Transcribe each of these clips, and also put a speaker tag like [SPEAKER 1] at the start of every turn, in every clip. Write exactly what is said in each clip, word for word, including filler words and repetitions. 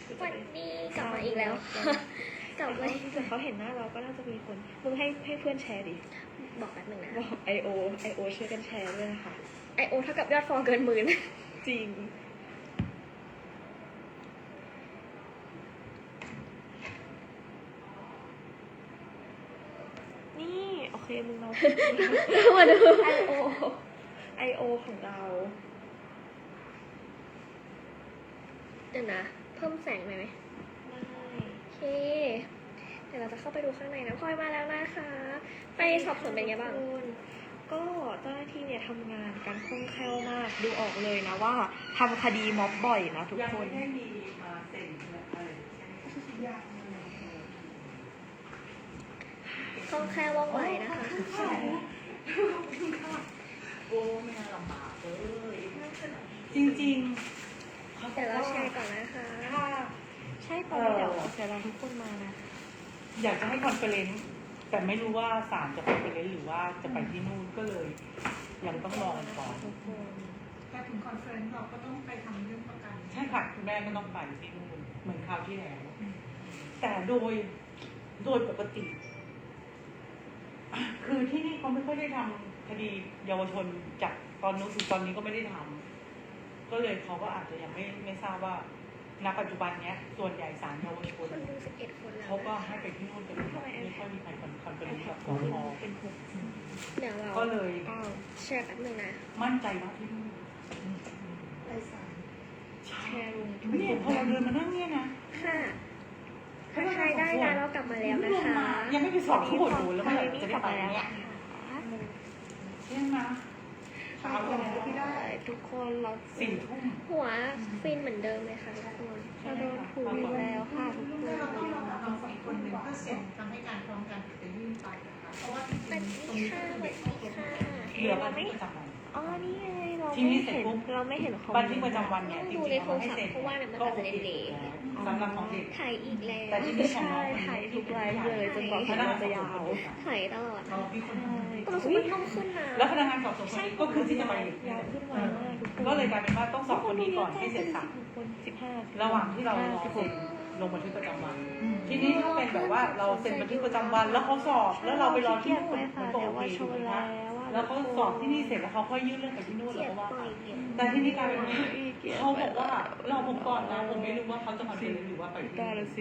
[SPEAKER 1] วันนี้กลับมาอีกแล้วกลับมา
[SPEAKER 2] เขาเห็นหน้าเราก็น่าจะมีคนมึงให้ให้เพื่อนแชร์ดิ
[SPEAKER 1] บอกแป๊บหนึ่งนะ
[SPEAKER 2] บอกไอโอไอโอช่วยกันแชร์ด้วยนะคะ
[SPEAKER 1] ไอโอเท่ากับยอดฟอลเกินหมื่น
[SPEAKER 2] จริงนี่โอเคมึงเรา
[SPEAKER 1] มาดู
[SPEAKER 2] ไอโอไอโอของเรา
[SPEAKER 1] เดี๋ยวนะเพิ่มแสงหน่อยไหม
[SPEAKER 2] ได้
[SPEAKER 1] โอเคเดี๋ยวเราจะเข้าไปดูข้างในนะพลอยมาแล้วนะคะ ไปสอบสวนเป็นไงบ้าง
[SPEAKER 2] ก็เจ้าหน้าที่เนี่ยทำงานกันคล่องแคล่วมากดูออกเลยนะว่าทำคดีม็อบบ่อยนะทุกคน
[SPEAKER 3] ยังไม่ได้มีมาเซ็นอะไรยาก
[SPEAKER 1] คล่องแคล่วว่องไวนะคะ
[SPEAKER 3] โอ้ไม่น่าลำบากเลยจริงๆ
[SPEAKER 1] เดี๋ยวเราแชร์ก่อนนะคะ
[SPEAKER 3] ถ้า
[SPEAKER 2] ใช่ตอนนี้เดี๋ยวเดี๋ยวเราทุกคนมานะ
[SPEAKER 3] อยากจะให้คอนเฟอเรนซ์แต่ไม่รู้ว่าศาลจะคอนเฟอเรนซ์หรือว่าจะไปที่นู่นก็เลยยังต้องรอกันก่อน
[SPEAKER 2] ทุกคน
[SPEAKER 4] แต่ถึงคอนเฟอเรนซ์เราก็ต้องไปทำเรื่องประกัน
[SPEAKER 3] ใช่ค่ะคุณแม่ก็ต้องไปที่นู่นเหมือนคราวที่แล้วแต่โดยโดยปกติ คือที่นี่เขาไม่ค่อยได้ทำคดีเยาวชนจากตอนนู้นถึงตอนนี้ก็ไม่ได้ทำก็เลยเขาก็อาจจะยังไม่ไม่ทราบว่าณปัจจุบันเนี้ยส่วนใหญ่ศาลเยาวชน
[SPEAKER 1] คนดูสิบเอ็ดคนแล้ว
[SPEAKER 3] เขาก็ให้ไปที่นู่นกันหมดไม่ค่อยมีใครคอนเฟอเรนซ์กับสพ
[SPEAKER 2] เป็นหก
[SPEAKER 1] เดี๋ยวเรา
[SPEAKER 3] ก็เลย
[SPEAKER 1] เอาแชร์แป๊บหนึงนะ
[SPEAKER 3] มั่นใจว่าที่นู่น
[SPEAKER 4] ไปศาล
[SPEAKER 3] ใช่
[SPEAKER 2] แชร์ลงทุก
[SPEAKER 3] เนี่ยพอเราเดินมานั่งเนี่ยนะ
[SPEAKER 1] ค่ะถ้าใครได้นะเรากลับมาแล้วนะคะ
[SPEAKER 3] ยังไม่ไปสอบข้างบนดูแล้ว
[SPEAKER 2] ใคร
[SPEAKER 3] เมื่อไหร่
[SPEAKER 2] นี่
[SPEAKER 3] จะ
[SPEAKER 2] ก
[SPEAKER 3] ได้
[SPEAKER 2] ลับ
[SPEAKER 3] ไป
[SPEAKER 2] มาแล้ว
[SPEAKER 3] เนี่ย
[SPEAKER 2] นะคะ
[SPEAKER 3] ใช่ไหมเช้า
[SPEAKER 2] ใช่ทุกคนเรา
[SPEAKER 3] สี่ทุ่ม
[SPEAKER 1] หัวฟินเหมือนเดิมเลยค่ะทุกคน
[SPEAKER 2] เราโดนถูกอีกแล้วค่ะทุกคน
[SPEAKER 4] ถ้าเราต้องรอเราสองคนหนึ่งก็เซ็นทำให้การพร้อมกันจะยื่นไปนะคะเพราะว่าจ
[SPEAKER 1] สวัส
[SPEAKER 4] ริงๆตรง
[SPEAKER 1] ดี
[SPEAKER 4] นี้
[SPEAKER 1] ค่ะ
[SPEAKER 4] ก็
[SPEAKER 1] ส
[SPEAKER 4] เป็
[SPEAKER 1] วัน ส
[SPEAKER 4] เด็ก
[SPEAKER 1] ดีค่ะ
[SPEAKER 3] เหลือบันทึกประจำวัน
[SPEAKER 2] อ๋อนี่ไงเรา
[SPEAKER 3] ที
[SPEAKER 2] ไม่
[SPEAKER 3] นี้เสร็จ
[SPEAKER 2] เห็น
[SPEAKER 3] ปุ๊บ
[SPEAKER 2] เราไม่เห็นคอม
[SPEAKER 3] บันทึกประจำวันเนี่ยจ
[SPEAKER 1] ดู
[SPEAKER 3] ริง
[SPEAKER 1] ใน
[SPEAKER 3] ๆ
[SPEAKER 1] โท
[SPEAKER 3] เขา
[SPEAKER 1] ร
[SPEAKER 3] ให้
[SPEAKER 1] ศัพ
[SPEAKER 3] เซ็น
[SPEAKER 1] ท์เพราะว่าเนี่ยมัน
[SPEAKER 3] ก็
[SPEAKER 1] อาจ
[SPEAKER 3] โอ
[SPEAKER 1] จะ
[SPEAKER 3] เค
[SPEAKER 1] เละ
[SPEAKER 3] สำหรับของเด็ก
[SPEAKER 1] ถ่ายอีกแล้ว
[SPEAKER 3] แต่ที่นี่ของ
[SPEAKER 2] ใช่
[SPEAKER 3] น้องคน
[SPEAKER 2] ถ่าย
[SPEAKER 3] นี้
[SPEAKER 2] ทุกไลฟ์เลยจนกว่าคลิปเราจะยาว
[SPEAKER 1] ถ่ายตลอด
[SPEAKER 3] เราพี่คนนี้
[SPEAKER 1] ก็รู้สึกมันนุ่มขึ้นนะ
[SPEAKER 3] แล้วพนักงานสอบสวนคนนี้ก็คือที่จะไป
[SPEAKER 2] ยาวขึ้นไวมากทุกคน
[SPEAKER 3] ก็เลยกลายเป็นว่าต้องสอบคนนี้ก่อนให้เสร็จสับ
[SPEAKER 2] คนสิบห้า
[SPEAKER 3] ระหว่างที่เรารอ
[SPEAKER 2] สิบห
[SPEAKER 3] เซ็
[SPEAKER 2] ก
[SPEAKER 3] นลงบันทึกประจำวัน ทีนี้ถ้าเป็นแบบว่าเราเซ็นบันทึกประจำวันแล้วเขาสอบแล้วเราไปรอที่นู่น
[SPEAKER 2] ไป
[SPEAKER 3] มัน
[SPEAKER 2] ค่ะ
[SPEAKER 3] ก็
[SPEAKER 2] แต่
[SPEAKER 3] โอ
[SPEAKER 2] ว่า
[SPEAKER 3] เค
[SPEAKER 2] โช
[SPEAKER 3] ถูก
[SPEAKER 2] ว์
[SPEAKER 3] ไหม
[SPEAKER 2] แล้
[SPEAKER 3] คะ
[SPEAKER 2] วว่า
[SPEAKER 3] แล้วเขาสอบที่นี่เสร็จแล้วเขาค่อยยื่นเรื่องไปที่นู่น
[SPEAKER 1] เกลี
[SPEAKER 3] แล้
[SPEAKER 1] ยว ด
[SPEAKER 3] ก็ว่า
[SPEAKER 1] ปล่
[SPEAKER 3] ไป
[SPEAKER 1] อยเกลียด
[SPEAKER 3] แต่ที่นี่กลายเป็นว่าเขาบอกว่าเราผมก่อนนะผมไม่รู้ว่าเขาจะคอนเฟิร์มหรือว่าไปที่
[SPEAKER 2] ตาละสิ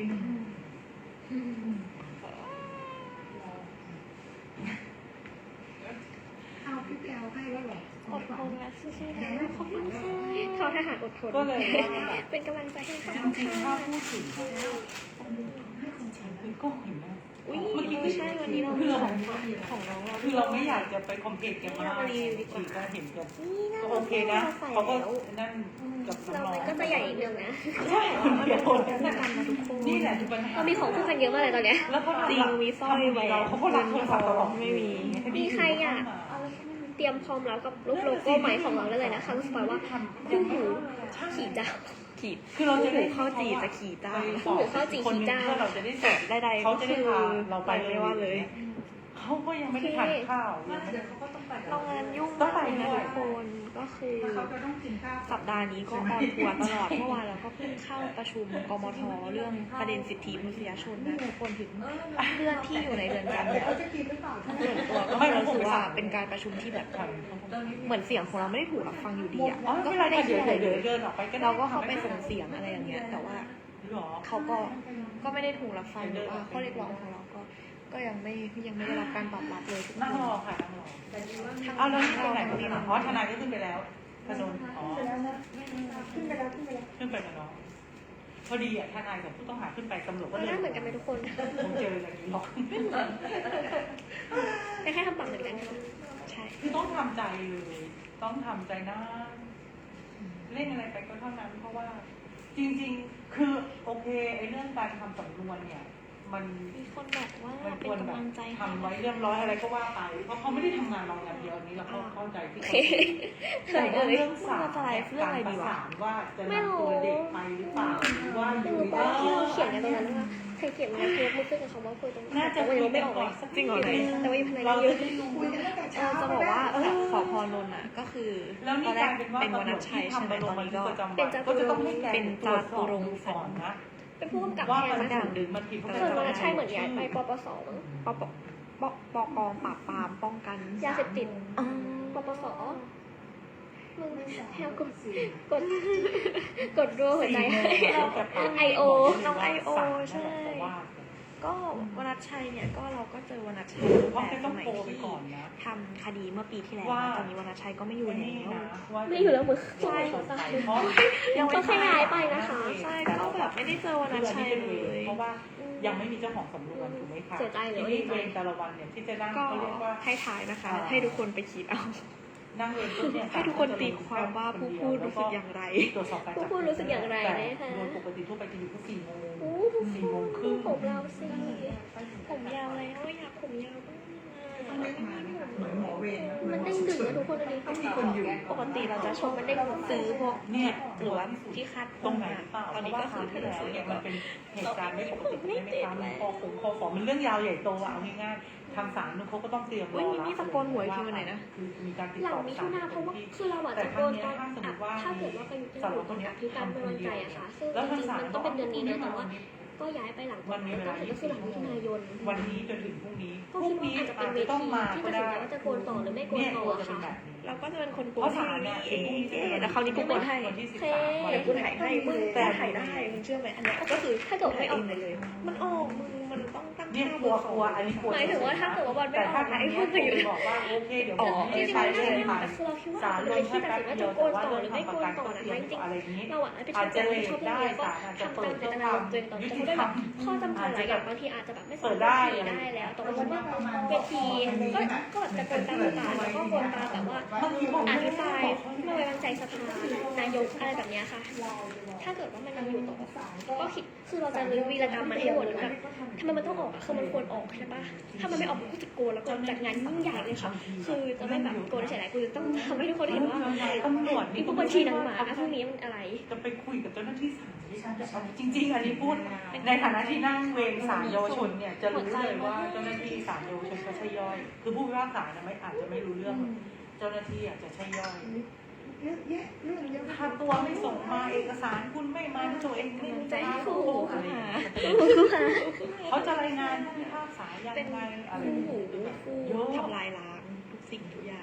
[SPEAKER 4] เอาพี่แก้วให้แล้วเหรอ
[SPEAKER 2] อดทนและสู้ๆนะขอบคุณค่ะ
[SPEAKER 1] เขาทหารอดทน
[SPEAKER 3] ก็เลยว่าแบบ
[SPEAKER 1] เป็นกำลังใจให้เขา
[SPEAKER 3] จริงๆถ้าพูดถึง
[SPEAKER 4] ให้คนใช้
[SPEAKER 3] คือก็เห็นนะ
[SPEAKER 2] อุ้ย
[SPEAKER 3] เมื่อกี้
[SPEAKER 2] ใช่วันนี้เรา
[SPEAKER 3] คือเรา
[SPEAKER 2] ของน้องเรา
[SPEAKER 3] คือเราไม่อยากจะไปคอมเพลตกันมากคือก็เห็นกัน
[SPEAKER 1] นี่น่า
[SPEAKER 3] ก็
[SPEAKER 1] รั
[SPEAKER 3] โอกเคนะ
[SPEAKER 1] ใส่
[SPEAKER 3] เขาก็
[SPEAKER 1] แล้ว
[SPEAKER 3] นั่นกับ
[SPEAKER 1] เรา
[SPEAKER 3] น้อง
[SPEAKER 1] มันก็จะใหญ่นิดนึงนะ
[SPEAKER 3] ใช่คนเดียว
[SPEAKER 2] กันนะทุกคน
[SPEAKER 3] นี่แหละคือปัญหา
[SPEAKER 1] เรามีของคู่กันเยอะมากเลยตอนเนี้ย
[SPEAKER 3] แล้วเขา
[SPEAKER 2] จริงมีสร้อยแหวน
[SPEAKER 3] เราเขาก็รับโทรศัพท์ตลอด
[SPEAKER 2] ไม่มี
[SPEAKER 1] มีใครอ่ะ เตรียมพร้อมแล้วกับรูปโลโก้ใหม่ของเราได้เลยนะคะรู้สึกว่าคู่หูขี่เจ้า
[SPEAKER 2] ขีด
[SPEAKER 3] คือเราจะได้
[SPEAKER 2] ข้าวจีจะขี่จ้า
[SPEAKER 1] คู่หูข้าวจี่ขี่เจ้า
[SPEAKER 3] เพื่อเราจะได้เสร็จ
[SPEAKER 2] ได้ๆ
[SPEAKER 3] เขาจะได้พาเราไป
[SPEAKER 2] ไม่ว่าเลย
[SPEAKER 3] เขาก็ยังไม่ได้ทานข้าวยังไม่
[SPEAKER 4] เดี๋
[SPEAKER 3] ได้
[SPEAKER 4] ยวเขาก็ต้องไป
[SPEAKER 2] เรางานยุ่ง
[SPEAKER 3] ต้องไป
[SPEAKER 2] มาก
[SPEAKER 3] ด้
[SPEAKER 2] นะ
[SPEAKER 3] วย
[SPEAKER 2] ทุกคนก็คือ
[SPEAKER 4] แล้วเขาจะต้องกินข้าว
[SPEAKER 2] สัปดาห์นี้ก็ออนทัวร์ตลอดเมื่อวานเราก็เพิ่งเข้าประชุมกมทเรื่องประเด็นสิทธิมนุษยชนนะทุกคนถึงเรื่องที่อยู่ในเรือนจำเนี่ย
[SPEAKER 4] เขาจะกินหรือเปล่า
[SPEAKER 2] ส่วนตัวก็รู้สึกว่าเป็นการประชุมที่แบบเหมือนเสียงของเราไม่ได้ถูกรับฟังอยู่ดีอ่ะ
[SPEAKER 3] อ๋อไม่
[SPEAKER 2] ก็
[SPEAKER 3] เป็นไร
[SPEAKER 2] ไม่ได้
[SPEAKER 3] เดี๋
[SPEAKER 2] คิ
[SPEAKER 3] ย
[SPEAKER 2] ด
[SPEAKER 3] ว
[SPEAKER 2] อะไรเล
[SPEAKER 3] เดี๋ยวย เดินออกไปก็ได้
[SPEAKER 2] เราก็เข้าไปส่งเสียงอะไรอย่างเงี้ย แต่ว่า
[SPEAKER 3] หรอ
[SPEAKER 2] เขาก็ก็ไม่ได้ถูกรับฟังหรือว่าข้อเรียกร้องของเราก็ก็ยังไม่ยังไม่ได้รับการตอบรับเลยทุกค
[SPEAKER 3] นั่งรอน ค่ะนั่งรอเอาแล้วนี่ไปไหนกันเนี่ยอ๋อทนายก็ขึ้นไปแล้วพนนอ๋อ
[SPEAKER 4] ขึ้นไปแล้วนะขึ้นไปแล้วขึ้นไปแล้ว
[SPEAKER 3] ขึ้นไปแล้วเนาะพอดีอ่ะทนายกับผู้ต้องหาขึ้นไปตำรวจก็
[SPEAKER 1] ห
[SPEAKER 3] เดิ
[SPEAKER 1] น้าเหมือนกันไหมทุกคน
[SPEAKER 3] ผมเจออย่างนี้หรอก
[SPEAKER 1] แค่ทำปากเหมือนกันค่ะ
[SPEAKER 2] ใช่
[SPEAKER 3] คือต้องทำใจเลยต้องทำใจนะเล่นอะไรไปก็เท่านั้น เพราะว่า จริงๆ คือโอเคไอ้เรื่องการทำสำนวนเนี่ย มัน
[SPEAKER 2] มีคนบอกว่า
[SPEAKER 3] มัน
[SPEAKER 2] เป็
[SPEAKER 3] คน วร
[SPEAKER 2] กำ
[SPEAKER 3] แบบ
[SPEAKER 2] ลังใจ
[SPEAKER 3] ทำไว้เรียบร้อยอะไรก็ว่าไป เพราะเขาไม่ได้ทำงานเราอย่างเดียวอันนี้เราก็เข้าใจที่
[SPEAKER 1] โอ
[SPEAKER 3] เขา
[SPEAKER 1] เค
[SPEAKER 3] แต่
[SPEAKER 1] เอ่
[SPEAKER 3] ว่าย เรื่องศาล
[SPEAKER 2] จะไลฟ์เรื่องอะไรดีวะ
[SPEAKER 3] การประสานว่าจะนำตัวเด็กไปหรือเปล่าหรือว่าอ
[SPEAKER 1] ไม่
[SPEAKER 3] ยู่
[SPEAKER 1] รู้
[SPEAKER 3] ใน
[SPEAKER 1] ว่าที่เราเขียนกันตรงนั้นว่าใครเขียนมาเพื่อมือขึ้นกับคำว่าคุยตรงนั้น
[SPEAKER 3] น่าจะ
[SPEAKER 1] แต่ว่ายังไม่ออกเลย
[SPEAKER 2] จริงเหรอไหน
[SPEAKER 1] แต่ว่ามีพนักงา
[SPEAKER 3] เรา
[SPEAKER 1] นเย
[SPEAKER 3] จะ
[SPEAKER 1] อะ
[SPEAKER 3] ได้รู้
[SPEAKER 4] คุยกันตั้งแต่
[SPEAKER 2] เอ
[SPEAKER 4] เช้า
[SPEAKER 2] อจะบอกว่าจากสพนนท์อ่ะก็คือ
[SPEAKER 3] แล้ว
[SPEAKER 2] ต
[SPEAKER 3] นี่
[SPEAKER 2] อนแร
[SPEAKER 3] กลาก ยเป็นว่า
[SPEAKER 2] เป็นว
[SPEAKER 3] ตำร
[SPEAKER 2] นั
[SPEAKER 3] ว
[SPEAKER 2] ช
[SPEAKER 3] จ
[SPEAKER 2] ชั
[SPEAKER 3] ที่
[SPEAKER 2] ยใช่ไหม
[SPEAKER 3] ทำมาล
[SPEAKER 2] ตอง น
[SPEAKER 3] บัน
[SPEAKER 2] นี้
[SPEAKER 3] ทึก
[SPEAKER 2] ก็
[SPEAKER 3] ประจำวันก็จะต้องให้แก
[SPEAKER 2] เป็น
[SPEAKER 3] ตรวจสอบ
[SPEAKER 2] จาตุรงค์
[SPEAKER 3] ดูก่อนนะ
[SPEAKER 1] เป็นผู้กำกับ
[SPEAKER 3] ว่า
[SPEAKER 1] แทน
[SPEAKER 3] มัน
[SPEAKER 1] นะคะ
[SPEAKER 3] ดึงมันผิด
[SPEAKER 1] ส่วนวรรณชัยเหมือนย้ายไปปปสมั้ง
[SPEAKER 2] ปปปปกองปราบปรามป้องกัน
[SPEAKER 1] ยาเสพติด
[SPEAKER 2] อ๋อ
[SPEAKER 1] ปปสมึงแพลกดกดกดรัวหัวใจไอโอ
[SPEAKER 2] น้องไอโอใช่
[SPEAKER 3] ว่า
[SPEAKER 2] ก็วนัชชัยเนี่ยก็เราก็เจอวนัชชัย
[SPEAKER 3] เพราะ
[SPEAKER 2] แต่
[SPEAKER 3] แค่
[SPEAKER 2] ส
[SPEAKER 3] ต้อง
[SPEAKER 2] มัย
[SPEAKER 3] โทรไป
[SPEAKER 2] ที่
[SPEAKER 3] ก่อนนะ
[SPEAKER 2] ทำคดีเมื่อปีที่แล้ว
[SPEAKER 3] ว่า
[SPEAKER 2] ตอนนี้วนัชชัยก็ไม่อยู่
[SPEAKER 3] นี่
[SPEAKER 2] แล้ว
[SPEAKER 3] นะว่า
[SPEAKER 1] ไม่อยู่แล้วมึง
[SPEAKER 3] ใช่เพราะ
[SPEAKER 1] ยังไม่ขยายไปนะคะ
[SPEAKER 2] ใช่ก็แบบไม่ได้เจอวนัชชัยเลย
[SPEAKER 3] เพราะว่ายังไม่มีเจ้าของสำนวนถูกไหมคะ
[SPEAKER 1] เสียใจเลย
[SPEAKER 3] ทีนี้เวรแต่ละวันเนี่ยที่จะนั่ง
[SPEAKER 2] ก็
[SPEAKER 3] เขาเรียกว่า
[SPEAKER 2] ให้ถ่ายนะคะ ให้ทุกคนไปคิดเอา
[SPEAKER 3] นั่งเวรปุ๊บเนี่ย
[SPEAKER 2] ให้ทุกคนตีความว่าผู้พูดรู้สึกอย่างไร
[SPEAKER 3] ตรวจสอบการ
[SPEAKER 1] ผู้พูดรู้สึกอย่างไรนะคะ
[SPEAKER 3] โดยปกติทั่วไปจะอยู่ที่สี่โมง
[SPEAKER 1] โอ้
[SPEAKER 3] สี่โมงครึ่ง
[SPEAKER 1] ผมเราสิ
[SPEAKER 2] ผมยาวแล้วอยากผมยาวบ้าง
[SPEAKER 4] ต้องได้มานะคะเหมือนหมอเวร
[SPEAKER 1] มันเด้งดึงนะทุกคนอันนี้
[SPEAKER 4] ต้องมีคนอยู่
[SPEAKER 2] ปกติเราจะชมมันได้ซื้อพวก
[SPEAKER 3] เนี่ย
[SPEAKER 2] หรือว่าที่คาด
[SPEAKER 3] ตรงไหน
[SPEAKER 2] อะ
[SPEAKER 3] เปล่า
[SPEAKER 2] ตอนนี้ก็คือ
[SPEAKER 3] ที่
[SPEAKER 2] ถ้าเรา
[SPEAKER 3] แล้ว
[SPEAKER 2] ซื้อ
[SPEAKER 3] เนี่ย
[SPEAKER 2] ก็
[SPEAKER 3] มันเป็นเหตุการณ์ไม่ปกติใช่ไหมคะมันคอขงคอฝอมันเรื่องยาวใหญ่โตอะเอาง่ายๆทางศาลนู่นเขาก็ต้องเตรียมร
[SPEAKER 2] อุ้ย
[SPEAKER 3] อ
[SPEAKER 2] มี
[SPEAKER 3] รับ
[SPEAKER 2] นี่ตะโกนหวยคือวันไหนนะ
[SPEAKER 3] คือมีการติด
[SPEAKER 1] หลัง
[SPEAKER 3] ต่อ
[SPEAKER 1] มิ
[SPEAKER 3] ศา
[SPEAKER 1] ถุ
[SPEAKER 3] ล
[SPEAKER 1] นาเพราะว่าคือเราอะ
[SPEAKER 3] แต่
[SPEAKER 1] จะ
[SPEAKER 3] ค
[SPEAKER 1] โด
[SPEAKER 3] รั้ง
[SPEAKER 1] น
[SPEAKER 3] เนี้
[SPEAKER 1] ตอน
[SPEAKER 3] ถ้าสมม
[SPEAKER 1] อ่ะ
[SPEAKER 3] ติว่า
[SPEAKER 1] ถ้าเกิดว่าไปอยู่ที่
[SPEAKER 3] สาร
[SPEAKER 1] อยู่
[SPEAKER 3] วัตรคนเนี้ย
[SPEAKER 1] ที่การเป็นวันใจอะค่ะซึ่ง
[SPEAKER 3] แล้ว
[SPEAKER 1] จ
[SPEAKER 3] ทาง
[SPEAKER 1] ริง
[SPEAKER 3] ศา
[SPEAKER 1] ๆ
[SPEAKER 3] ล
[SPEAKER 1] มันต้องเป็นเดือนนี้นะแต่ว่าก็ย้ายไปหลัง
[SPEAKER 3] วันนี้เวลา
[SPEAKER 1] ก็คือหลังมิถุนายน
[SPEAKER 3] วันนี้จนถึงพรุ่งนี้
[SPEAKER 1] ก็
[SPEAKER 3] พรุ่
[SPEAKER 1] คิ
[SPEAKER 3] ง
[SPEAKER 1] ดว่า
[SPEAKER 3] นี้
[SPEAKER 1] อาจจะเป็
[SPEAKER 3] อาน จ
[SPEAKER 1] เว
[SPEAKER 3] จะต้อง
[SPEAKER 1] ที
[SPEAKER 3] มา
[SPEAKER 1] ที่
[SPEAKER 3] ก็
[SPEAKER 1] ตัดสิน
[SPEAKER 3] ได้
[SPEAKER 1] ใจว่าจะโกนต่อหรือไม่โกน
[SPEAKER 3] เนี่ย
[SPEAKER 1] ต่
[SPEAKER 3] ก
[SPEAKER 1] อ
[SPEAKER 3] ลัวจะเป็น
[SPEAKER 1] ค่ะ
[SPEAKER 3] แบบนี้
[SPEAKER 2] เราก็จะเป็นคนโก
[SPEAKER 3] เพ
[SPEAKER 2] น
[SPEAKER 3] ราะ
[SPEAKER 2] ให้
[SPEAKER 3] ศาลเนี่ย
[SPEAKER 2] เองเดี๋ยวคราวนี้กูโกนให้
[SPEAKER 3] วันที่สิบ
[SPEAKER 1] โอ
[SPEAKER 3] สาม
[SPEAKER 1] เค
[SPEAKER 3] วัน
[SPEAKER 2] เดี๋ยวกู
[SPEAKER 3] ที่
[SPEAKER 2] ถ่ายให้มึงแต่ถ่ายได้มึงเชื่อไหมอันเนี้ยก็คือ
[SPEAKER 1] ถ้าเกิดไม่ออก
[SPEAKER 2] ถ่ายเงเลย มันออกมึงมันต้องตั้ง
[SPEAKER 3] เนี่ย
[SPEAKER 2] ค่าก
[SPEAKER 3] ลัวกลัวอันนี้กลัว
[SPEAKER 1] หมายถึงว่าถ้าเกิดว่าบอลไม่
[SPEAKER 3] แต่
[SPEAKER 1] ออ
[SPEAKER 3] ถ้าก ทาง
[SPEAKER 1] ไอ้
[SPEAKER 3] เนี้
[SPEAKER 1] พวย ก
[SPEAKER 3] คุ
[SPEAKER 1] อื่
[SPEAKER 3] ณ
[SPEAKER 1] น
[SPEAKER 3] บอกว่าโอเคเดี๋ยว
[SPEAKER 2] อ๋
[SPEAKER 3] ผ
[SPEAKER 2] อ
[SPEAKER 3] ม
[SPEAKER 1] จริ
[SPEAKER 3] ให้
[SPEAKER 1] งๆ
[SPEAKER 3] ใช้
[SPEAKER 1] มัน
[SPEAKER 3] เส้
[SPEAKER 1] น่าน
[SPEAKER 3] ไป
[SPEAKER 1] จะคือเราคิดว่า
[SPEAKER 3] ศาล
[SPEAKER 1] จะ
[SPEAKER 3] ล
[SPEAKER 1] เป็น
[SPEAKER 3] ง
[SPEAKER 1] ที่
[SPEAKER 3] แค่
[SPEAKER 1] ตัด
[SPEAKER 3] แป๊
[SPEAKER 1] สิน
[SPEAKER 3] บ
[SPEAKER 1] ว่า
[SPEAKER 3] เดี
[SPEAKER 1] จะ
[SPEAKER 3] ยว
[SPEAKER 1] โก
[SPEAKER 3] แต่
[SPEAKER 1] น
[SPEAKER 3] ว่า
[SPEAKER 1] ต่อ
[SPEAKER 3] เรื่
[SPEAKER 1] ห
[SPEAKER 3] อง
[SPEAKER 1] รือไม่โกนต่อนะคะจริง
[SPEAKER 3] ทำประกันตัวอะไรนี้
[SPEAKER 1] ๆเราอะไป
[SPEAKER 3] อาจ
[SPEAKER 1] เจ
[SPEAKER 3] จะ
[SPEAKER 1] อ
[SPEAKER 3] เล
[SPEAKER 1] ใน
[SPEAKER 3] ท
[SPEAKER 1] ชอบ
[SPEAKER 3] ได้
[SPEAKER 1] แล้วก็
[SPEAKER 3] ศาลอาจจะ
[SPEAKER 1] ทำ
[SPEAKER 3] เปิ
[SPEAKER 1] ตาม
[SPEAKER 3] ด
[SPEAKER 1] เจ
[SPEAKER 3] เพื่อ
[SPEAKER 1] ต
[SPEAKER 3] ค
[SPEAKER 1] นาว
[SPEAKER 3] าม
[SPEAKER 1] รมณ์ตัวเองต่อ
[SPEAKER 3] ยุ
[SPEAKER 1] แต่
[SPEAKER 3] ติ
[SPEAKER 1] เขา
[SPEAKER 3] ธร
[SPEAKER 1] ได้
[SPEAKER 3] ร
[SPEAKER 1] แบ
[SPEAKER 3] ม
[SPEAKER 1] บข้อจำกัดหลายอย่างบางทีอาจจะแบบไม่สามารถทีได้แล้วแต่ว่าคิดว่าเวทีก็ก็จะโกนตามประกาศแล้วก็โกนตามแบบว่า
[SPEAKER 3] บางทีผม
[SPEAKER 1] อ
[SPEAKER 3] ไม่
[SPEAKER 1] ภิป
[SPEAKER 3] ได้
[SPEAKER 1] ราย
[SPEAKER 3] บอกเขา
[SPEAKER 1] ไม่ไว้วางใจสภานายกอะไรแบบเนี้ยค่ะ ถ้าเกิดว่ามันยังอยู่ต่อก็คิดคือเราจะรื้อวีรกรรมมันให้หมดแบบทำไมมันต้องออกอะคือมันควรออกใช่ปะถ้ามันไม่ออกมันก็จะโกนแล้วก็จัดงานยิ่งใหญ่เลยค่ะ คือจะไม่แบบโกนเฉยๆกูจะต้องทำให้ทุกคนเห็นว่า
[SPEAKER 3] ตำรวจ
[SPEAKER 1] นี่
[SPEAKER 3] นี่
[SPEAKER 1] พวกบัญชีหนังหมาพวกนี้มันอะไร
[SPEAKER 3] จะไปคุยกับเจ้าหน้าที่ศาลจริง ๆ อันนี้พูดในฐานะที่นั่งเวรศาลเยาวชนเนี่ยจะรู้เลยว่าเจ้าหน้าที่ศาลเยาวชนเขาใช่ย่อย คือผู้พิพากษาเนี่ยไม่อาจจะไม่รู้เรื่อง เจ้าหน้าที่อาจจะใช่ย่อย
[SPEAKER 4] เยอะแยะเรื่องเยอะ
[SPEAKER 3] ถ้าตัวไม่ส่งมาเอกสารคุณไม่มาตัวเองไม่รู้จะให้คู่อะไรอย่างเงี้ยเขาจะรายงานผู้พิพากษายัง
[SPEAKER 2] เป็น
[SPEAKER 3] ไงอะไร
[SPEAKER 2] คู่
[SPEAKER 3] อย่าง
[SPEAKER 2] หู
[SPEAKER 3] เงี้ย
[SPEAKER 2] คู่
[SPEAKER 3] เยอะ
[SPEAKER 2] ทำลายล้างทุกสิ่งทุกอย่าง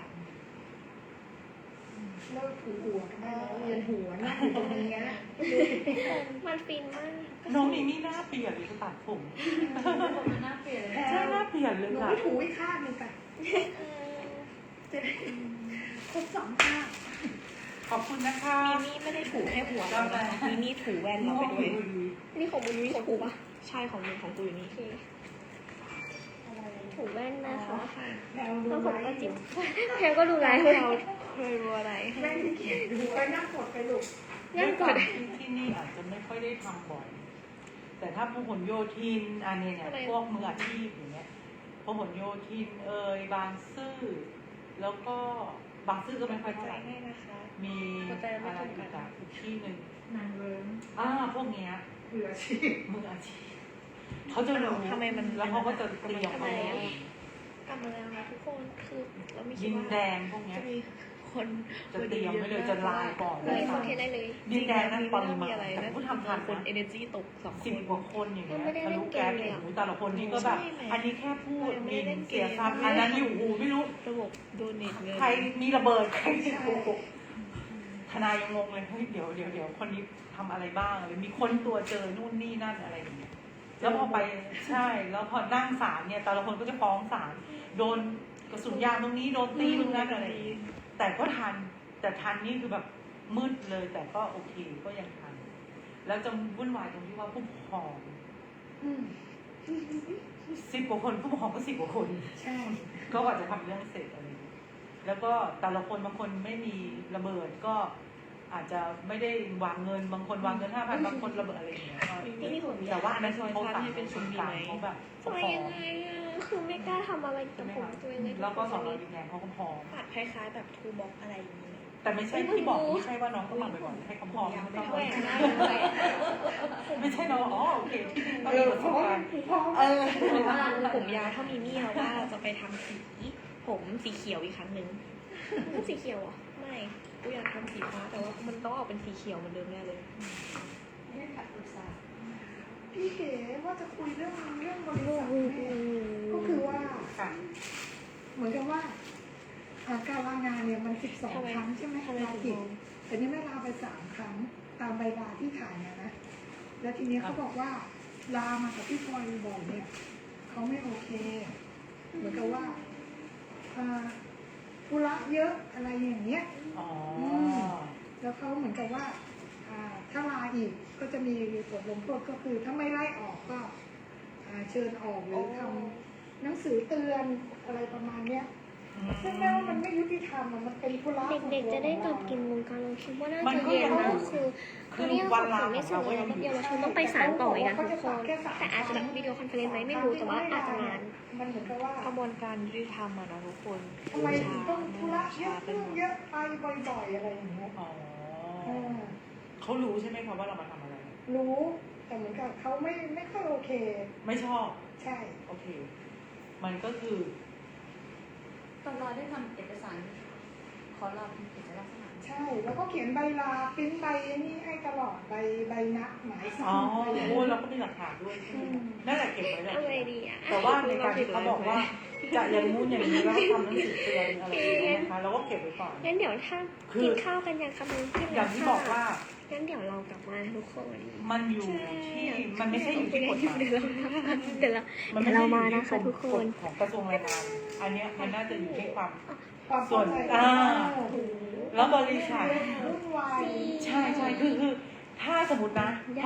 [SPEAKER 4] เลิกถูหัวกันได้แล้วเรียนหัวนั่งอยู่ตรงนี้นะ
[SPEAKER 1] มันฟินมาก
[SPEAKER 3] น้องนี่นี่หน้าเปลี่ยนเลยตัดผม
[SPEAKER 4] มันน่าเปลี่ยนเลย
[SPEAKER 3] ใช่หน้าเปลี่ยนเลย
[SPEAKER 4] หนู
[SPEAKER 3] ค่ะ
[SPEAKER 4] ไม่ถูอีกข้างหนึ่งค่ะจะได้ครบสองข้าง
[SPEAKER 3] ขอบคุณนะคะ
[SPEAKER 2] มีนี่ไม่ได้ถูแค่หัวเรานะคะมีนี่ถูแว่นเราไปด้วย
[SPEAKER 1] นี่ของมึงมีของกูปะ
[SPEAKER 2] ใช่ของมึงของกูอยู่นี่
[SPEAKER 1] โอเคถูแว่นนะคะ
[SPEAKER 4] แนว
[SPEAKER 1] แล้วผ
[SPEAKER 4] รู้
[SPEAKER 1] ม
[SPEAKER 4] ไหม
[SPEAKER 1] ก็จิ้มแพลก็ดูไลฟ์
[SPEAKER 2] เรา
[SPEAKER 1] เรา
[SPEAKER 2] เคยรู้อะไร
[SPEAKER 4] แม่ที่เขียนดูไปนั่งกดไปลูก
[SPEAKER 1] งั้นก่อน
[SPEAKER 3] ที่ที่นี่อาจจะไม่ค่อยได้ทำบ่อย แต่ถ้าพหลโยธินอันนี้เนี่ยพวกมืออาชีพอย่างเงี้ยพหลโยธินเอ่ยบางซื่อแล้วก็บางซื่อก็ไม่ค่อย
[SPEAKER 2] ใจ
[SPEAKER 3] เท่าไหร่
[SPEAKER 2] ง่ายนะคะ
[SPEAKER 3] มีอะไรอีกอะอีกที่หนึ่ง
[SPEAKER 4] นางเลิ้ง
[SPEAKER 3] อ่าพวกเนี้ย
[SPEAKER 4] เผื่อชีพ
[SPEAKER 3] มืออาชีพเขาจะรู้
[SPEAKER 2] ทำไมมัน
[SPEAKER 3] แล้วเขาก็จะเตรียม
[SPEAKER 1] ทำไม
[SPEAKER 3] เอา
[SPEAKER 1] อะ
[SPEAKER 2] กลับมาแล้วนะทุกคนคือเราไม่คิ
[SPEAKER 3] ดิ
[SPEAKER 2] ด
[SPEAKER 3] น
[SPEAKER 2] ว่า
[SPEAKER 3] แดงพวกเนี้ย
[SPEAKER 2] จะมีคน
[SPEAKER 3] จะเตรียมไว้เลยจะลายก่อน
[SPEAKER 1] เลยคอนเทนต์ได้เลย
[SPEAKER 3] ดินแดงนั้นปริมา
[SPEAKER 2] มีอะไร
[SPEAKER 3] ณ
[SPEAKER 2] นะ
[SPEAKER 3] ผู้ทำทัน
[SPEAKER 2] คน
[SPEAKER 3] นะ
[SPEAKER 2] energy ตกสองค
[SPEAKER 3] สิบ
[SPEAKER 2] น
[SPEAKER 3] กว่าคนอย่างเงี้ย
[SPEAKER 1] มันไม่ได้
[SPEAKER 3] ทะ
[SPEAKER 1] เล่
[SPEAKER 3] ลุ
[SPEAKER 1] นเก
[SPEAKER 3] แก๊
[SPEAKER 1] ม
[SPEAKER 3] ส
[SPEAKER 1] เลยอะ
[SPEAKER 3] หูแต่ละคนนี่ก็แบบ
[SPEAKER 2] ใช่ไหม
[SPEAKER 3] อันนี้แค่พูด
[SPEAKER 2] ยังไม่
[SPEAKER 3] มี
[SPEAKER 2] ได้เล่นเกม
[SPEAKER 3] เสียทรัพย์อันนั้นอยู่หูไม่รู้
[SPEAKER 2] ระบบโดเนทเงิน
[SPEAKER 3] ใครมีระเบิดใครมีโกหกทนายยังงงเลยเฮ้ยเดี๋ยวเดี๋ยวเดี๋ยวคนนี้ทำอะไรบ้างอะไรมีค้นตัวเจอนู่นนี่นั่นอะไรอย่างเงี้ยแล้วพอไปใช่ แล้วพอนั่งศาลเนี่ยแต่ละคนก็จะฟ้องศาลโดนกระสุนยางตรงนี้โดนตีตรงนั้นอะไรอย่างเงี้ยแต่ก็ทันแต่ทันนี่คือแบบมืดเลย แต่ก็โอเคก็ยังทัน แล้วจะวุ่นวายตรงที่ว่าผู้ปกครอง
[SPEAKER 4] อืม
[SPEAKER 3] สิบกว่าคนผู้ปกครองก็สิบกว่าคน
[SPEAKER 4] ใช่
[SPEAKER 3] ก็กว่าจะทำเรื่องเสร็จอะไรอย่างเงี้ยแล้วก็แต่ละคนบางคนไม่มีระเบิดก็อาจจะไม่ได้วางเงินบางคนวางเงินห้าพันบางคนระเบิดอะไรอย่างเงี้ยก็
[SPEAKER 2] นี่นี่ผม
[SPEAKER 3] แต่ว่าอันนั้น
[SPEAKER 2] ซอย
[SPEAKER 3] เขา
[SPEAKER 2] พัน
[SPEAKER 3] สั่ง
[SPEAKER 2] ให้เป็นชุมดี
[SPEAKER 3] กา
[SPEAKER 2] ไหม
[SPEAKER 3] รเขาแบบป
[SPEAKER 1] ทำ
[SPEAKER 3] ก
[SPEAKER 1] ไม
[SPEAKER 3] ครอง
[SPEAKER 1] ยังไงอะคือไม่กล้าทำอะไรกับผมตัวเองเลย
[SPEAKER 3] แล้วก็สอนเราดีแดงเขาก็พร้อม
[SPEAKER 2] ปัดคล้ายๆแบบทูบ็อกอะไรอย่างนี้
[SPEAKER 3] แต่ไม่ใช่ที่บอกไม่ใช่ว่าน้องต้องมาบ่อยๆให้เขาพร้อมไม่ต้อง
[SPEAKER 1] แหวกได้เลย
[SPEAKER 3] ไม่ใช่น้องอ๋อโอเคที่นี่ต้อง
[SPEAKER 4] เอ
[SPEAKER 3] มี
[SPEAKER 4] อ
[SPEAKER 3] ประ
[SPEAKER 4] เพ
[SPEAKER 3] ส
[SPEAKER 4] ราะ
[SPEAKER 3] บ
[SPEAKER 4] ว่า
[SPEAKER 3] การณ์
[SPEAKER 4] เพราะ
[SPEAKER 3] เออ
[SPEAKER 2] ผมยาวเท่ามีมี่แล้วว่าเราจะไปทำสีผมสีเขียวอีกครั้งหนึ่ง
[SPEAKER 1] มันสีเขียวเหรอ่ะ
[SPEAKER 2] ไม่กูอยากทำสีฟ้าแต่ว่ามันต้องออกเป็นสีเขียวเหมือนเดิมแน่เลย
[SPEAKER 4] ไม่ขัดอุตสาห์
[SPEAKER 3] ม
[SPEAKER 4] จะคุยเรื่องเรื่องบริษัทเนี่ยก็คือว่า
[SPEAKER 3] ค่ะ
[SPEAKER 4] เหมือนกับว่าอ่าการลางานเนี่ยมันสิบสอง
[SPEAKER 2] ทำไม
[SPEAKER 4] ครั้งใช่ไหม
[SPEAKER 2] ทำไม
[SPEAKER 4] ลา
[SPEAKER 2] ถึง
[SPEAKER 4] กิจ
[SPEAKER 2] มอง
[SPEAKER 4] แต่นี่ไม่ลาไปสามครั้งตามใบลาที่ถ่ายมานะ แล้วทีนี้เขาบอกว่าลามากับพี่พลอยบ่อยเนี่ยเขาไม่โอเค เหมือนกับว่าอ่าธุระเยอะอะไรอย่างเงี้ย
[SPEAKER 3] อ๋อ
[SPEAKER 4] แล้วเขาเหมือนกับว่าอ่าถ้าลาอีกก็จะมีบทลงโทษก็คือถ้าไม่ไล่ออกก็อ่าเชิญออกหรือทำหนังสือเตือนอะไรประมาณเนี้ย ซึ่งแม้ว่ามันไม่ยุติธรรมอะมันเป็นธุระ
[SPEAKER 1] เด็กๆจะได้กลับกินวงการเราคิดว่าน่าจะเย็นนะคือคือเนี่ยของของในส่วนเราแบบเยาวชนต้องไปศาลต่ออีกนะทุกคนแต่อาจจะแบบวิดีโอคอนเฟอเรนซ์ไหมไม่รู้แต่ว่าอาจจะนาน
[SPEAKER 4] มันเหมือนกับว่าก
[SPEAKER 2] ระบวนการยุติธรรมอะนะทุกคน
[SPEAKER 4] ทำไมถึงต้องธุระเย
[SPEAKER 2] ช้า
[SPEAKER 4] อะ
[SPEAKER 2] ไป
[SPEAKER 4] เรื่อง
[SPEAKER 2] หมด
[SPEAKER 4] เยอะไปบ่อยๆอะไรอย่างเงี้ย
[SPEAKER 3] อ๋อ
[SPEAKER 4] เออ
[SPEAKER 3] เขารู้ใช่ไหมคะว่าเรามาทำอะไร
[SPEAKER 4] รู้แต่เหมือนกับเขาไม่ไม่ค่อยโอเค
[SPEAKER 3] ไม่ชอบ
[SPEAKER 4] ใช่
[SPEAKER 3] โอเค มันก็คือ
[SPEAKER 5] ตอนเราได้ทำเอกสารขอเราเป็นกิจลักษณะ
[SPEAKER 4] ใช่ แล้วก็เขียนใบลาปริ้นใบนี่ให้ตลอดใบใบนัดหมายสา
[SPEAKER 3] อ๋อ
[SPEAKER 4] รอะไรอย่าง
[SPEAKER 3] โอ้
[SPEAKER 4] เงี้ย
[SPEAKER 3] เราก็มีหลักฐานด้วยใช่ไหมนั่นแหละเก็บไว้แหละ
[SPEAKER 1] อะไรดีอ่ะ
[SPEAKER 3] แต่ว่าในการที่เขาบอกว่าจะอย่างงู้นอย่างนี้แล้วทำหนังสือเตือนอะไรอย่างเงี้ยนะคะเราก็เก็บไว้ก่อน
[SPEAKER 1] งั้นเดี๋ยวถ้า
[SPEAKER 3] คือ
[SPEAKER 1] กินข้าวกันยังคะมึงที่
[SPEAKER 3] อย่างที่บอกว่า
[SPEAKER 1] งั้นเดี๋ยวเรากลับมาทุกคน
[SPEAKER 3] มันอยู่ที่มันไม่ใช่อยู่ที่กฎหมาย
[SPEAKER 1] เดี๋ยวเราเดี๋ยวเรา
[SPEAKER 3] มัน
[SPEAKER 1] เดี๋
[SPEAKER 3] ไม่
[SPEAKER 1] ยว
[SPEAKER 3] ใช่
[SPEAKER 1] เรา
[SPEAKER 3] อยู่
[SPEAKER 1] มา
[SPEAKER 3] ที่
[SPEAKER 1] นะคะทุกคน
[SPEAKER 3] ฎของกระทรวงแรงงาน อันเนี้ยมันน่าจะอยู่ที่ความ
[SPEAKER 4] ความ
[SPEAKER 3] ส่วน
[SPEAKER 4] เข้าใจ
[SPEAKER 3] อ่า
[SPEAKER 4] โอ้โห
[SPEAKER 3] แล้วบริษัท
[SPEAKER 4] วุ่นวาย
[SPEAKER 3] ใช่ใช่คือคือถ้าสมมตินะ